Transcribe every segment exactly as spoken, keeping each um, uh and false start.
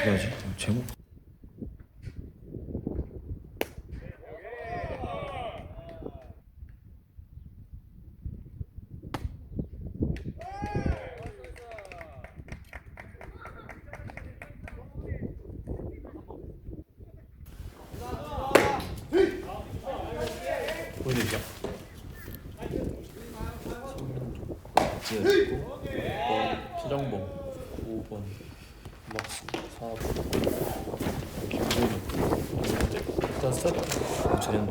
어떻게 하지? 제목. 보여드릴게요. 박지현 오 번 최정봉 오 번 박수 사 번 김준우 일단 스타트 재현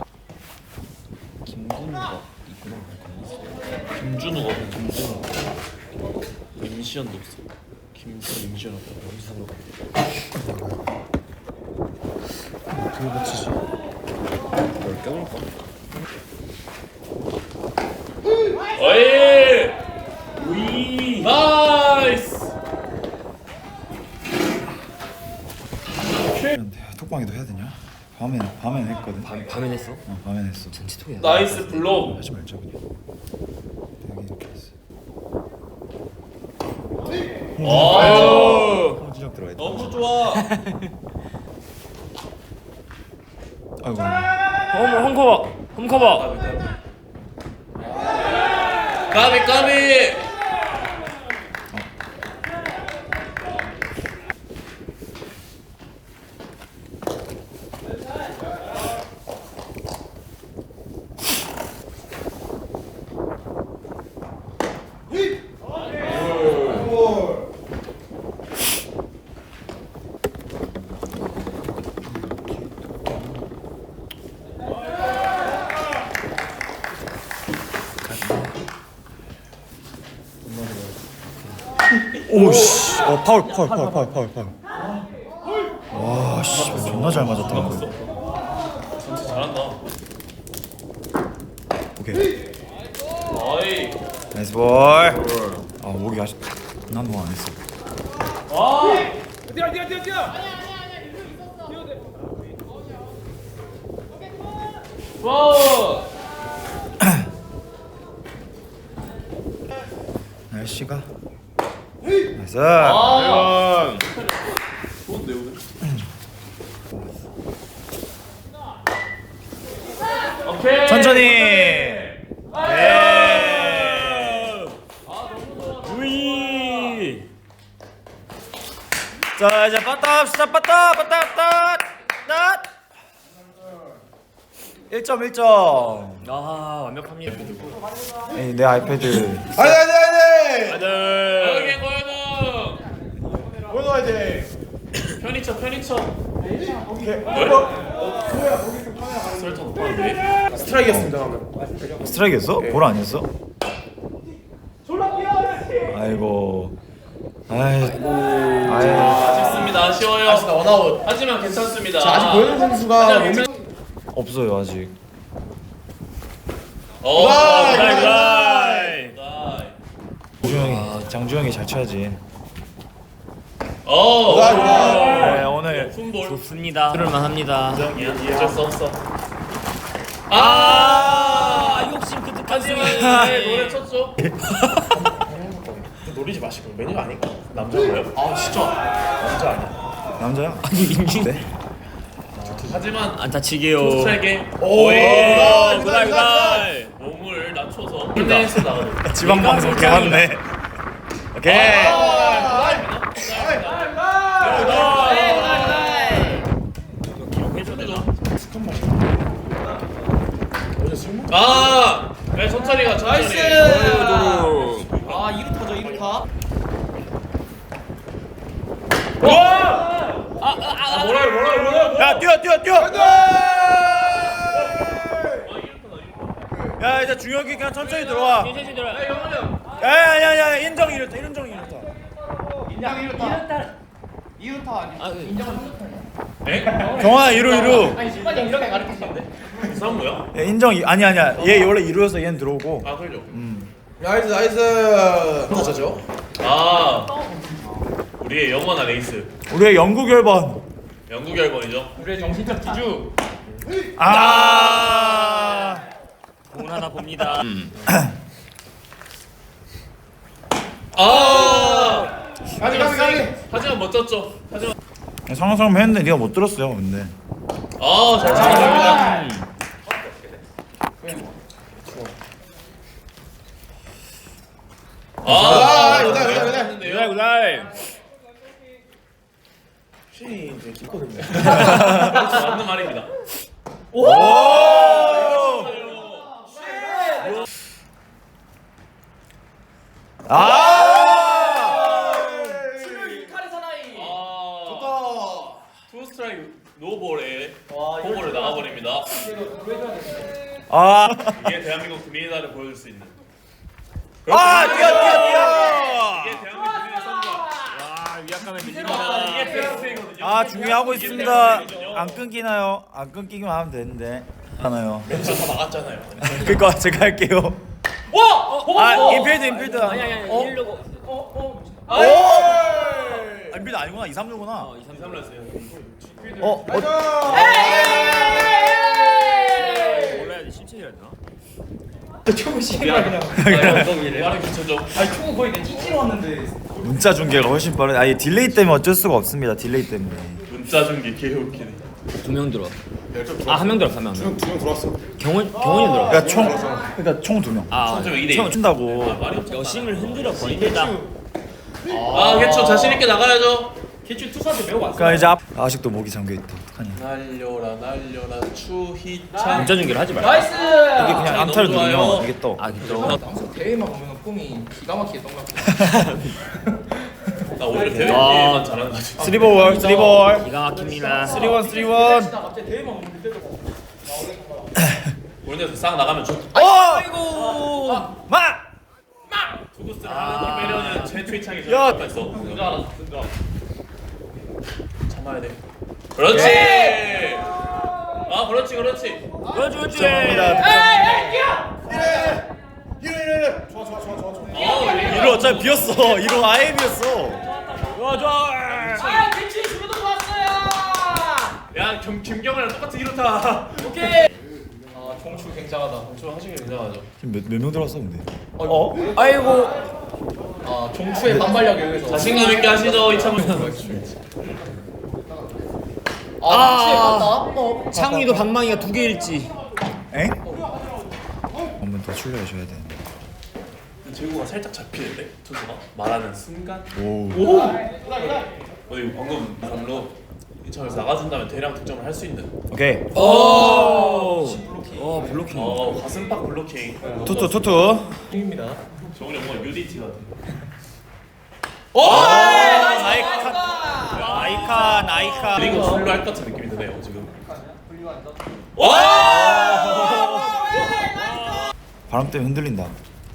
김준우가 있구나. 김준우가 없네. 김준우 임시현도 없어. 김준우 임시현 없다. 임시현으로 가. 어떻게 붙이지? 뭘 껴볼까? 어이! 우이! 나이스! 톡방에도 해야 되냐? 밤에 밤엔 했거든. 밤, 밤에 냈어? 어 밤엔 했어. 전치통이야. 나이스 블록! 하지 말자 그냥. 되게 이렇게 했어. 아유! 홍진영 들어가 있다. 너무 좋아! 아이고. 어머 홈커버! 홈커버! 까비 까비! 오씨. 어 파울 파울 파울 파울 파울 파울. 와 씨. 존나 잘 맞았다. 진짜 잘한다. 오케이. 어이! 나이스 볼. 아 목이 아직 난 뭐 안 했어. 뛰어 뛰어 뛰어 뛰어. 와! 날씨가. 나이스. 아! 좋은데 오늘? 오케이! 천천히. 예! 우이! 자 이제 빠따 합시다. 빠따 빠따 빠따. 낫. 일 점 일 점. 아 완벽합니다. 에이, 내 아이패드. 아니 아니 아니 여기 아들 고현웅! 오늘 화이팅 편의점 편의점 오케이 설탕 높았는데? 스트라이크였습니다 방금 스트라이크였어? 볼 아니었어? 아이고. 아이고. 아이. 아쉽습니다. 아쉬워요. 아쉽다 원아웃 하지만 괜찮습니다. 자 아직 고현웅 선수가 하지만 몸이 괜찮- 없어요 아직. 어, 나이, 나이, 나이! 나이. 장주영이 장주영이 잘 쳐야지. 어, 나이, 나이. 네 오늘 푼볼. 좋습니다. 들을만 합니다. 어쩔 수 없어. 아 아, 욕심 그득한 하지만 승리. 네, 노래 쳤죠. 노리지 마시고 메뉴가 아닐까 남자가요? 아 진짜 남자 아니야 남자야? 아니 민준 네? 하지만 안 다치게요. 투수에게 오 오이. 구달 구달. 몸을 낮춰서 홀댄스 나가는. 지방 방송 개맞네. 오케이. 어제 술 먹 아, 네, 천천히 가, 천천히. 아 이루 타죠 이루 타. 와! 아, 뭐라, 뭐라, 뭐라. 야 뛰어 뛰어 뛰어. 야 이제 중혁이 그냥 천천히 들어와. 천천히 들어. 야야야야 인정 이렇다 인정 이렇다. 인정 이루 타. 이루 타 아니. 아, 그- 에? 경환아 이루 이루. 아니 심판이 이렇게 가르치시는데. 이상한 거야? 야, 인정 이- 아니 아니야 얘 원래 이루여서 얘는 들어오고. 아, 그러죠. 나이스 나이스 맞아죠 아, 우리의 영원한 에이스. 우리의 영구 결번. 영구 결번이죠. 우리의 정신적 기주. 아. 공 하나 봅니다. 아, 가지 가지 가지 하지만 멋졌죠. 하지만 상상을 했는데 네가 못 들었어요. 근데 아잘 참아줍니다. 아 이거 이거 이거 구달 구달. 신 되게 깊거든요. 그렇죠, 맞는 말입니다. 오! 아! 칼의 사나이. 좋다. 투 스트라이크 노볼에 포볼을 나가버립니다. 아! 이게 대한민국 금이나를 보여줄 수 있는. 아! 뛰어 뛰어 뛰어! 이게 대한민국 금이의 성과. 와 위압감에 이게 밀립니다. 페어플레이거든요. 아 준비하고 있습니다. 안 끊기나요? 안 끊기기만 하면 되는데 하나요? 멘트 다 나갔잖아요. 그니까 제가 할게요. 와! 아 인필드 인필드. 아니 아니 아니 어? 일로고. 오! 아, 인필드 아니구나. 이, 삼 루구나. 이 삼 루였어요. 어? 어? 몰라야지 실책이라 했나? 초구 시행이라 그냥. 말은 귀천적. 아니 초구 거의 그냥 찌찌러 왔는데. 문자 중계가 훨씬 빠른. 아니 딜레이 때문에 어쩔 수가 없습니다. 딜레이 때문에. 문자 중계 개웃기네. 두 명 들어. 아 한 명 들었어 한 명. 두명 들어왔어. 경원 경원이 들어. 그러니까 총 그러니까 총 두 명. 아 총점 이 대 일. 총 친다고. 말이 없죠. 여심을 흔들어 버린다. 아 개초 자신 있게 나가야죠. 개추 투수한테 매우 왔어. 그러니까 이제 앞... 아직도 목이 잠겨 있다. 어떡하냐. 날려라 날려라 추희찬. 문자 중계를 하지 말고. 나이스. 이게 그냥 암타를 너무 좋아요. 누르면 이게 떠. 아 그죠. 항상 대회만 보면 꿈이 기가 막히게 똥같아. 나 오히려 대회 아. 게임만 잘하는 거 같아. 쓰리볼 쓰리볼. 기가 막힙니다. 쓰리원 쓰리원. 갑자기 대회만 보면 그때도 우리는 싹 나가면 좋. 어! 아이고. 마! 투구스를 하는 거 빼려는 최초이창이 야! 저기 있어. 그거 알아. 그거. 참아야 돼. 그렇지. 아 그렇지 그렇지. 그렇지 그렇지. 감사합니다. 아 이로 어차피 비었어. 이로 아예 비었어. 좋아 좋아. 아 개추 주도 좋았어요. 야 김 김경아랑 똑같은 이렇다. 오케이. 아 종추 굉장하다. 좀 하시기 굉장하죠. 지금 몇 명 들어왔어 근데? 어? 아이고. 아 종추의 반발력에 의해서. 자신감 있게 하시죠 이창훈. 아 종추의 반다. 어. 창훈이도 방망이가 두 개일지. 엥? 한 번 더 출려줘야 되는데. 제구가 살짝 잡히는데 투수가 말하는 순간. 오. 오. 어 이거 방금 삼 루 이창에서 나가준다면 대량 득점을 할 수 있는. 오케이. 오. 어 블로킹. 어 가슴팍 블로킹. 투투 투투. 입니다. 정훈이 뭔가 유디티 같아. 오! 아이칸. 아이칸 아이칸. 그리고 출루 할 것 같은 느낌이 드네요 지금. 바람 때문에 흔들린다.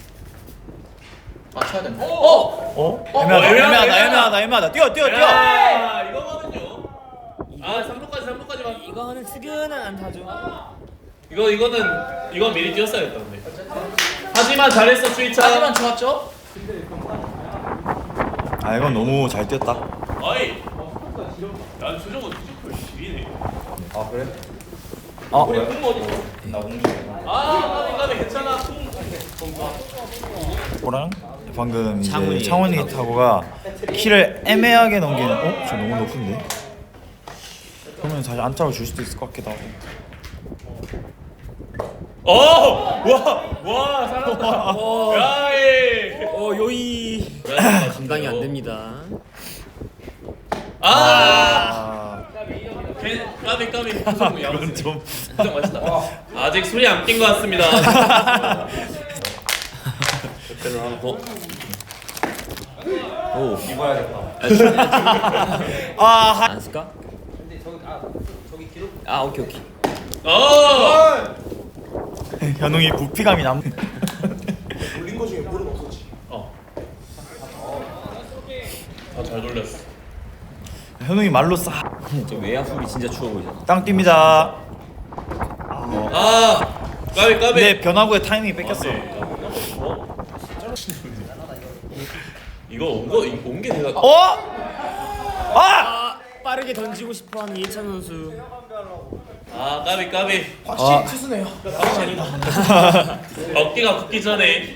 아 쳐야 된다. 어? 애매하다 애매하다 애매하다 애매하다. 뛰어 뛰어 뛰어. 야 이거거든요. 아 삼 루까지 삼 루까지만. 이거는 스근한 안타죠. 이거 이거는 이건 미리 뛰었어야겠다 근데. 하지만 잘했어 추이찬. 하지만 좋았죠? 아 이건 너무 잘 뛰었다. 어이. 야 주정은 피지컬 지리네. 아 그래? 어? 공 어디 있어? 나 공주. 아 까비 까비 괜찮아. 뭐랑? 방금 이제 창훈이. 창원이 타고가 키를 애매하게 넘기는. 어? 저 너무 높은데? 그러면 사실 안타를 줄 수도 있을 것 같기도 하고. 어! 와! 와 살았다. 야이. 어 요이. 감당이 안 됩니다. 아! 아 개- 까비 까비. 구성 이건 야무지네. 좀. 구성 맛있다. 아직 술이 안 깬 것 같습니다. 그때는 하나 더. 오. 아 하... 안 쓸까? 아 오케이 오케이. 어! 현웅이 부피감이 남. 어. 다잘 돌렸어. 현웅이 말로 싸. 저 외야 풀이 진짜 추워 보이잖아. 땅 뜁니다. 아! 까비 까비. 근데 변화구의 타이밍이 뺏겼어. 어? 이거 온거온게 내가 어? 아! 아 빠르게 던지고 싶어하는 이해찬 선수. 아 까비 까비. 아. 투수네요. 어깨가 붙기 전에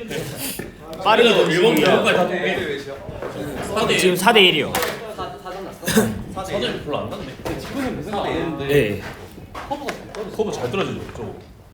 빠르게 일본 던지기. 일본까지 다 동계. 사대 지금 사 대 일이요. 사점이 별로 안 났네. 지금은 그 생각 안 했는데 네. 커브가 잘 떨어져. 커브 잘 떨어지죠 저거.